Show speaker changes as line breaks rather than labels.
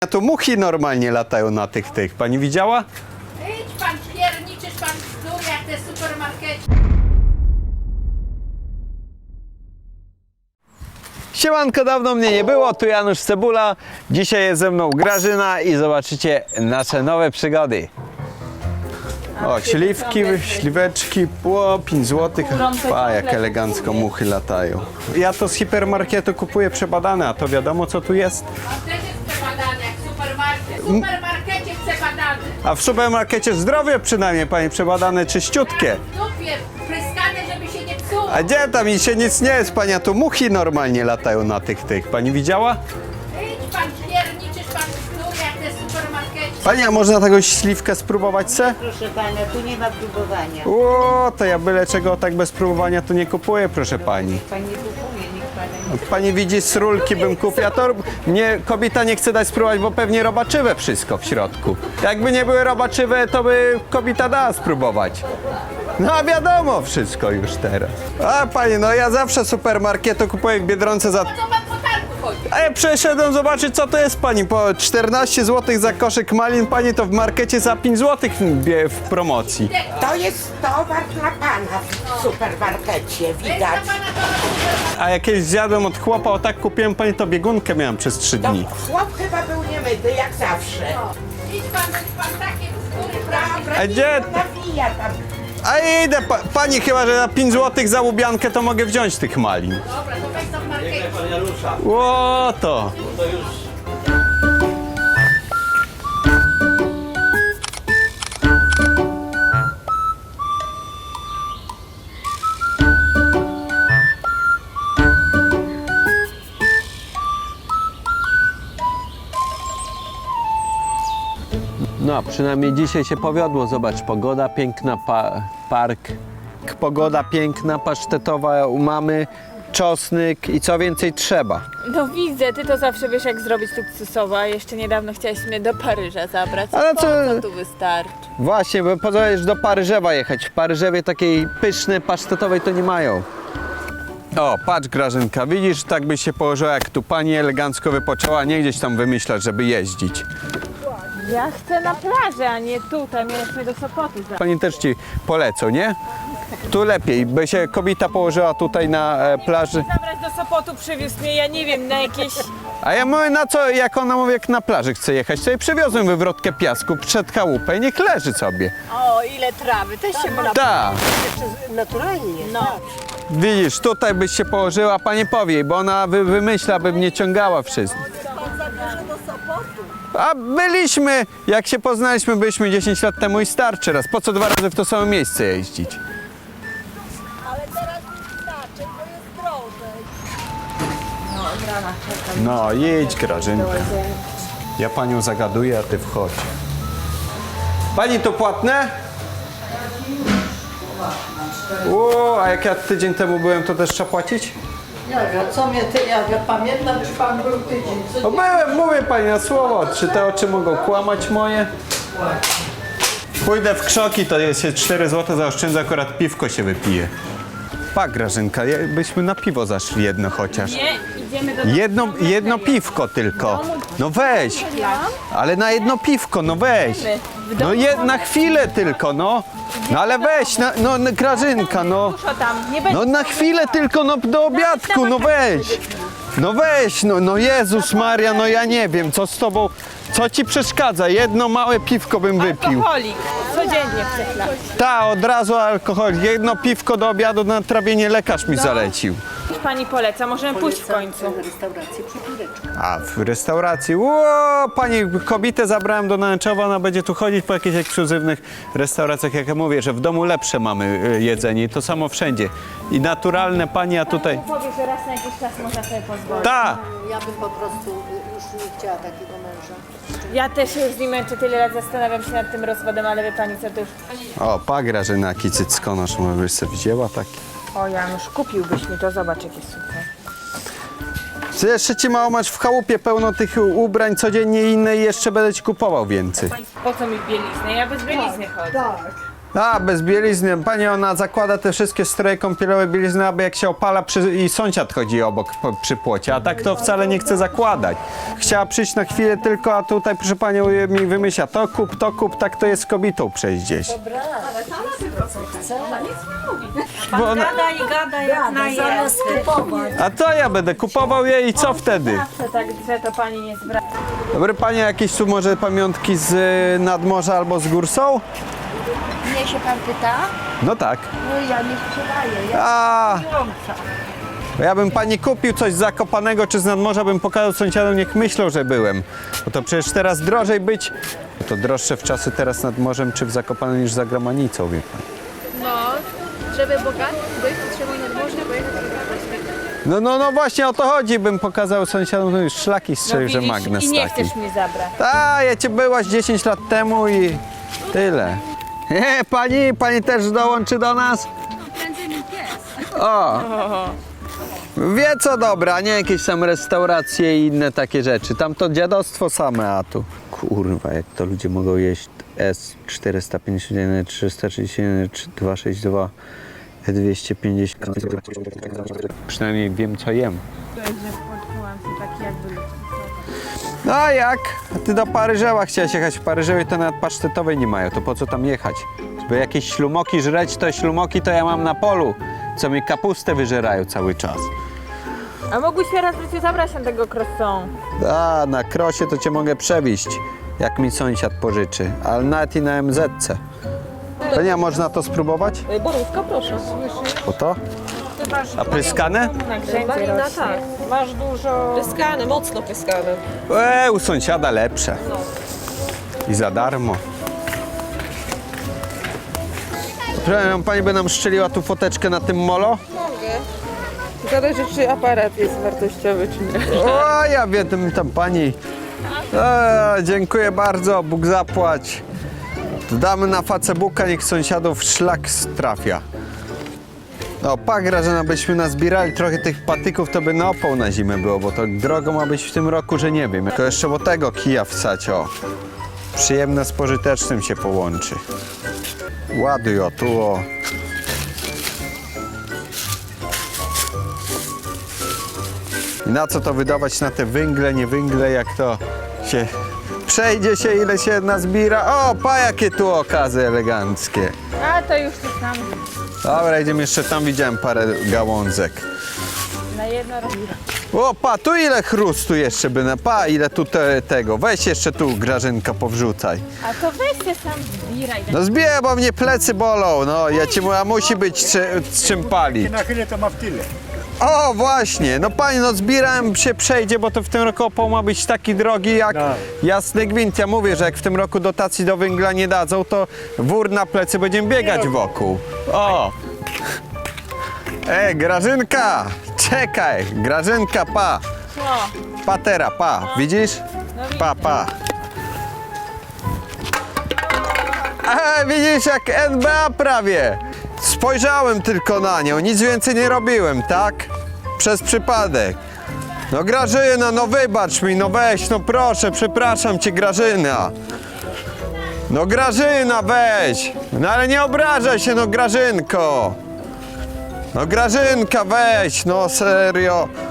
A tu muchy normalnie latają na tych. Pani widziała?
Idź pan, pierniczysz pan bzdur jak te supermarkety.
Siemanko, dawno mnie nie było, tu Janusz Cebula. Dzisiaj jest ze mną Grażyna i zobaczycie nasze nowe przygody. O, śliweczki, po 5 zł. A, jak elegancko muchy latają. Ja to z hipermarketu kupuję przebadane, a to wiadomo co tu jest.
A też jest przebadany jak supermarket. W supermarkecie przebadany.
A w supermarkecie zdrowie przynajmniej, pani, przebadane czyściutkie.
W dupie pryskane, żeby się nie psuło.
A gdzie tam i się nic nie jest, pani, a tu muchy normalnie latają na tych. Pani widziała?
Idź pan, pierniczysz pan bzdur jak te supermarkety.
Pani, a można taką śliwkę spróbować se?
Proszę pana, tu nie ma próbowania.
O, to ja byle czego tak bez próbowania to nie kupuję, proszę pani.
Pan nie kupuje, nikt pana nie...
Pani widzi, z rulki bym kupił, a to mnie kobieta nie chce dać spróbować, bo pewnie robaczywe wszystko w środku. Jakby nie były robaczywe, to by kobieta dała spróbować. No a wiadomo wszystko już teraz. A pani, no ja zawsze supermarketu kupuję w Biedronce za...
Po co pan po targu chodzi?
A ja przeszedłem zobaczyć co to jest pani, po 14 zł za koszyk malin, pani to w markecie za 5 zł w promocji.
To jest towar dla pana w supermarkecie,
Jest
widać.
dla pana to supermarket.
A jak kiedyś zjadłem od chłopa, o tak kupiłem pani, to biegunkę miałem przez 3
To
dni.
chłop chyba był niemyty, jak zawsze.
Idź pan takie bzdury prawie.
Dobra,
A gdzie-
nawija tam.
A idę, pani chyba, że za 5 zł za łubiankę to mogę wziąć tych malin.
Dobra, to weź tam w markecie.
Ło to. No, przynajmniej dzisiaj się powiodło. Zobacz, pogoda piękna, park. Pogoda piękna, pasztetowa u mamy, czosnek i co więcej trzeba.
No widzę, ty to zawsze wiesz jak zrobić luksusowo, a jeszcze niedawno chciałeś mnie do Paryża zabrać.
Ale
Po
co-
co tu wystarczy?
Właśnie, bo pozwolisz do Paryżewa jechać. W Paryżewie takiej pysznej, pasztetowej to nie mają. O, patrz Grażynka, widzisz, tak byś się położyła, jak tu pani elegancko wypoczęła, nie gdzieś tam wymyślać, żeby jeździć.
Ja chcę na plażę, a nie tutaj, mieliśmy do Sopotu zabrać.
Pani też ci polecą, nie? Tu lepiej, by się kobieta położyła tutaj na plaży.
Zabrać do Sopotu, przywiózł mnie, ja nie wiem, na jakieś...
A ja mówię, na co, jak ona mówi, jak na plaży chce jechać, to jej przywiozłem wywrotkę piasku przed chałupę i niech leży sobie.
O, ile trawy, też się można...
Tak.
Naturalnie.
No.
Widzisz, tutaj byś się położyła, pani powie, bo ona wymyśla, by mnie ciągała wszystko. A byliśmy, jak się poznaliśmy, byliśmy 10 lat temu i starczy raz. Po co 2 razy w to samo miejsce jeździć? No, jedź Grażynka. Ja panią zagaduję, a ty wchodź. Pani to płatne? O, a jak ja tydzień temu byłem, to też trzeba płacić?
Co mnie ty, ja pamiętam, czy pan był tydzień. Co
No byłem, mówię pani na słowo. Czy te oczy mogą kłamać moje? Pójdę w krzoki, to jest się 4 zł zaoszczędzę, akurat piwko się wypije. Pa Grażynka, byśmy na piwo zaszli jedno chociaż.
Nie, idziemy do...
Jedno piwko tylko. No weź. Ale na jedno piwko, no weź. No na chwilę tylko, no. No ale weź, no Grażynka, no.
Dużo tam, nie będzie...
No na chwilę tylko, no do obiadku, no weź. No weź, no Jezus Maria, no ja nie wiem, co z tobą, co ci przeszkadza? Jedno małe piwko bym wypił.
Alkoholik, codziennie przechlać.
Ta, od razu alkohol. Jedno piwko do obiadu na trawienie lekarz mi zalecił.
Pani poleca, możemy pójść w końcu.
restauracji Przypóreczka.
A w restauracji, ło, pani kobietę zabrałem do Nęczowa, ona będzie tu chodzić po jakichś ekskluzywnych restauracjach, jak ja mówię, że w domu lepsze mamy jedzenie i to samo wszędzie. I naturalne pani, a tutaj...
Powie, że raz na jakiś czas można sobie pozwolić.
Ta!
Ja bym po prostu już nie chciała takiego męża.
Ja też się już z nim męczę, tyle lat zastanawiam się nad tym rozwodem, ale wie pani co, to już...
O, pa Grażyna, jaki cyckonosz, może byś sobie wzięła taki.
O Janusz, kupiłbyś mi to, zobacz jakie super.
Ty jeszcze ci mało masz w chałupie pełno tych ubrań codziennie inne i jeszcze będę ci kupował więcej.
Po co mi bieliznę? Ja bez bielizny chodzę.
Tak.
A, bez bielizny. Pani, ona zakłada te wszystkie stroje kąpielowe, bielizny, aby jak się opala i sąsiad chodzi obok przy płocie, a tak to wcale nie chce zakładać. Chciała przyjść na chwilę tylko, a tutaj, proszę panią, mi wymyśla to kup, tak to jest z kobietą przejść gdzieś. Bo ona...
Gada i gada jak na zamiast kupować.
A to ja będę kupował jej i co wtedy?
Zawsze tak drze, to pani nie zwraca.
Dobry panie, jakieś tu może pamiątki z nadmorza albo z gór są?
Mnie się pan pyta?
No tak.
No ja nie sprzedaję,
Ja bym pani kupił coś z Zakopanego czy z nadmorza, bym pokazał sąsiadom, niech myślą, że byłem. Bo to przecież teraz drożej być. To droższe w czasy teraz nad morzem czy w Zakopanem niż za granicą, wie pan.
No, żeby bogat być, trzeba nad morze pojechać do
No właśnie o to chodzi, bym pokazał sąsiadom, no już szlaki strzelił, że magnes
I nie
taki.
chcesz mnie zabrać.
A, ja cię byłaś 10 lat temu i tyle. Pani też dołączy do nas?
Będzie mi pies.
O! Wie co dobra, nie jakieś tam restauracje i inne takie rzeczy. Tam to dziadostwo same, a tu. Kurwa, jak to ludzie mogą jeść S451, 331, 262, 250. Przynajmniej wiem co jem. No a jak? A ty do Paryżeła chciałeś jechać. W Paryżewie to nawet pasztetowej nie mają, to po co tam jechać? Żeby jakieś ślumoki żreć, to ślumoki to ja mam na polu, co mi kapustę wyżerają cały czas.
A mógłbyś się raz w życiu zabrać na tego croissant?
A, na krosie to cię mogę przewieźć, jak mi sąsiad pożyczy, ale nawet i na MZ-ce. To nie, można to spróbować?
Borówka, proszę.
Po to? A pryskane?
Na grzędzie rośnie.
Tak, masz dużo... Pyskane, mocno pyskane.
U sąsiada lepsze. I za darmo. Przepraszam, pani by nam szczeliła tu foteczkę na tym molo?
Zależy, czy aparat jest wartościowy, czy nie.
O, ja wiem, tam pani. Dziękuję bardzo, Bóg zapłać. Damy na Facebooka, niech sąsiadów szlak trafia. No, Grażyna, byśmy nazbierali trochę tych patyków, to by na opał na zimę było, bo to drogo ma być w tym roku, że nie wiem. Tylko jeszcze o tego kija wsać, o. Przyjemne z pożytecznym się połączy. Ładuj, o, tu, o. I na co to wydawać na te węgle, nie węgle, jak to się... Przejdzie się, ile się nazbiera. O, jakie tu okazy eleganckie.
A to już tu sam.
Dobra, idziemy jeszcze tam, widziałem parę gałązek.
Na jedno robi.
O, tu ile chrustu jeszcze by na... ile tu tego. Weź jeszcze tu, Grażynka, powrzucaj.
A to weź się sam zbieraj.
No zbieraj, bo mnie plecy bolą, no. Ja ci mówię, a musi być z czym palić.
Na chwilę to ma w tyle.
O, właśnie, no pani, no zbierałem się przejdzie, bo to w tym roku opał ma być taki drogi jak jasny gwint. Ja mówię, że jak w tym roku dotacji do węgla nie dadzą, to wór na plecy będziemy biegać wokół. O! Grażynka! Czekaj! Grażynka, pa! Patera, pa! Widzisz? Pa! Widzisz, jak NBA prawie! Spojrzałem tylko na nią, nic więcej nie robiłem, tak? Przez przypadek. No Grażyna, no wybacz mi, no weź, no proszę, przepraszam cię, Grażyna. No Grażyna, weź. No ale nie obrażaj się, no Grażynko. No Grażynka, weź, no serio.